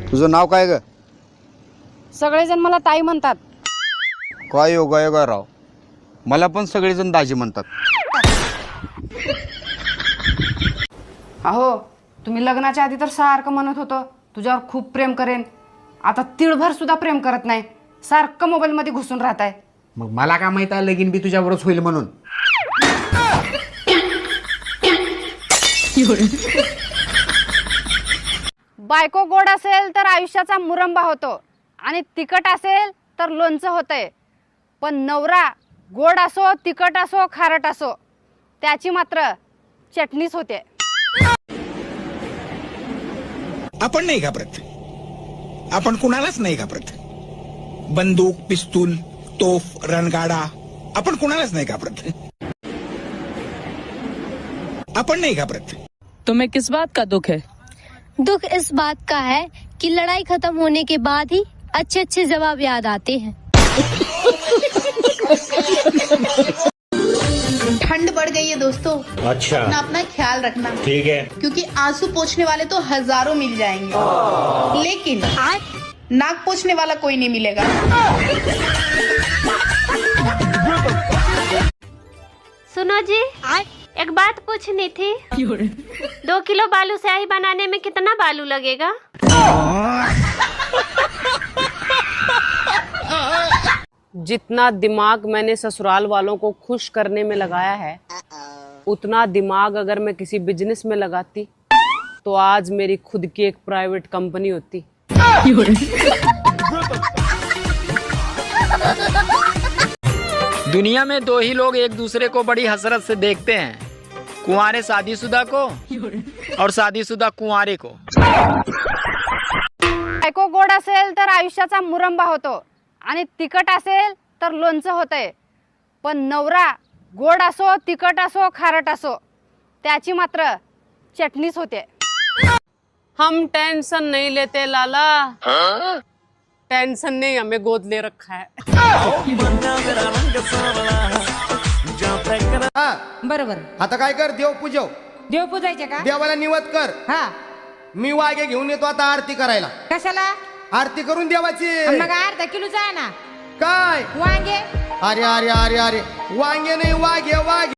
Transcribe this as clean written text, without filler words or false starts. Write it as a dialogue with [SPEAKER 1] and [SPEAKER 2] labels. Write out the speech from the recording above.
[SPEAKER 1] तुझं नाव काय ग?
[SPEAKER 2] सगळेजण मला ताई म्हणतात.
[SPEAKER 1] काय योगा राव, मला पण सगळेजण दाजी म्हणतात.
[SPEAKER 2] अहो, तुम्ही लग्नाच्या आधी तर सारखं म्हणत होतं तुझ्यावर खूप प्रेम करेन. आता तिळभर सुद्धा प्रेम करत नाही, सारखं मोबाईलमध्ये घुसून राहताय.
[SPEAKER 3] मग मला काय माहित आहे लगीन बी तुझ्यावरच होईल म्हणून.
[SPEAKER 2] बायको गोड असेल तर आयुष्याचा मुरंबा होतो आणि तिखट असेल तर लोणचं होतंय. पण नवरा गोड असो, तिखट असो, खारट असो, त्याची मात्र चटणीच होते.
[SPEAKER 4] आपण नाही घाबरत, आपण कुणालाच नाही घाबरत. बंदूक, पिस्तूल, तोफ, रणगाडा, आपण कुणालाच नाही घाबरत. आपण नाही घाबरत.
[SPEAKER 5] तुम्हें किस बात का दुख है?
[SPEAKER 6] दुख इस बात का है कि लड़ाई खत्म होने के बाद ही अच्छे अच्छे जवाब याद आते हैं.
[SPEAKER 7] ठंड बढ़ गई है दोस्तों.
[SPEAKER 8] अच्छा,
[SPEAKER 7] अपना ख्याल रखना,
[SPEAKER 8] ठीक है.
[SPEAKER 7] क्योंकि आंसू पोंछने वाले तो हजारों मिल जाएंगे, लेकिन नाक पोंछने वाला कोई नहीं मिलेगा.
[SPEAKER 9] सुनो जी, एक बात पूछनी थी. 2 किलो बालू स्याही बनाने में कितना बालू लगेगा?
[SPEAKER 10] जितना दिमाग मैंने ससुराल वालों को खुश करने में लगाया है, उतना दिमाग अगर मैं किसी बिजनेस में लगाती तो आज मेरी खुद की एक प्राइवेट कंपनी होती.
[SPEAKER 11] दुनिया में 2 ही लोग एक दूसरे को बड़ी हसरत से देखते हैं, कुंवारे शादीशुदा को और शादीशुदा कुंवारे को.
[SPEAKER 2] बायको गोड असेल तर आयुष्याचा मुरंबा होतो आणि तिखट असेल तर लोणचं होतंय. पण नवरा गोड असो, तिखट असो, खारट असो, त्याची मात्र चटणीच होते.
[SPEAKER 10] हम टेंशन नहीं लेते लाला, टेंशन ने हमें गोद ले रखा है.
[SPEAKER 3] बरोबर. आता काय कर, देव पूजव.
[SPEAKER 5] देव पूजायचे का?
[SPEAKER 3] देवाला निवत कर.
[SPEAKER 5] हा.
[SPEAKER 3] मी वाघे घेऊन येतो आता आरती करायला.
[SPEAKER 5] कशाला?
[SPEAKER 3] आरती करून देवाची.
[SPEAKER 5] मग अर्धा किलोचा आहे ना.
[SPEAKER 3] काय
[SPEAKER 5] वांगे.
[SPEAKER 3] अरे अरे अरे अरे, वांगे नाही, वाघे वाघे.